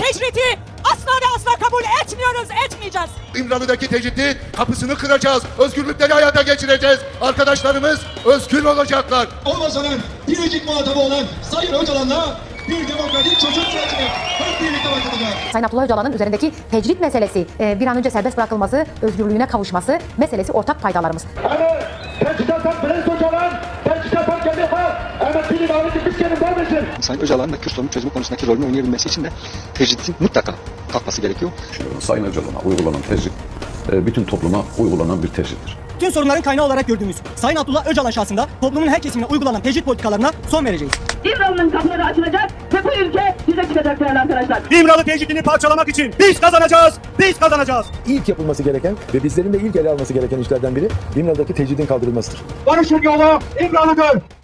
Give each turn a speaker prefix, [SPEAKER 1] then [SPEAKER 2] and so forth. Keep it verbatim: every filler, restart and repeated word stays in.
[SPEAKER 1] tecridi asla ve asla kabul etmiyoruz, etmeyeceğiz.
[SPEAKER 2] İmralı'daki tecridi kapısını kıracağız. Özgürlükleri hayata geçireceğiz. Arkadaşlarımız özgür olacaklar.
[SPEAKER 3] Olmasanın biricik muhatabı olan Sayın Öcalan'la bir demokratik çözüm sürecine hep birlikte başlayacağız.
[SPEAKER 4] Sayın Abdullah Öcalan'ın üzerindeki tecrit meselesi, e, bir an önce serbest bırakılması, özgürlüğüne kavuşması meselesi ortak paydalarımız.
[SPEAKER 5] Ama teçhizattan Bülent Öcalan, teçhizattan kendi var. Ama bilim aveti biz kendin var mısın?
[SPEAKER 6] Sayın Öcalan'ın da Kürt sorunu çözümü konusundaki rolünü oynayabilmesi için de tecritin mutlaka kalkması gerekiyor.
[SPEAKER 7] Sayın Öcalan'a uygulanan tecrit, bütün topluma uygulanan bir tecrittir.
[SPEAKER 8] Tüm sorunların kaynağı olarak gördüğümüz Sayın Abdullah Öcalan şahsında toplumun her kesimine uygulanan tecrit politikalarına son vereceğiz.
[SPEAKER 9] İmralı'nın kapıları açılacak ve bu ülke bize çıkacak değerli arkadaşlar.
[SPEAKER 8] İmralı tecritini parçalamak için biz kazanacağız, biz kazanacağız.
[SPEAKER 10] İlk yapılması gereken ve bizlerin de ilk ele alması gereken işlerden biri İmralı'daki tecridin kaldırılmasıdır.
[SPEAKER 5] Barışın yolu İmralı'dır.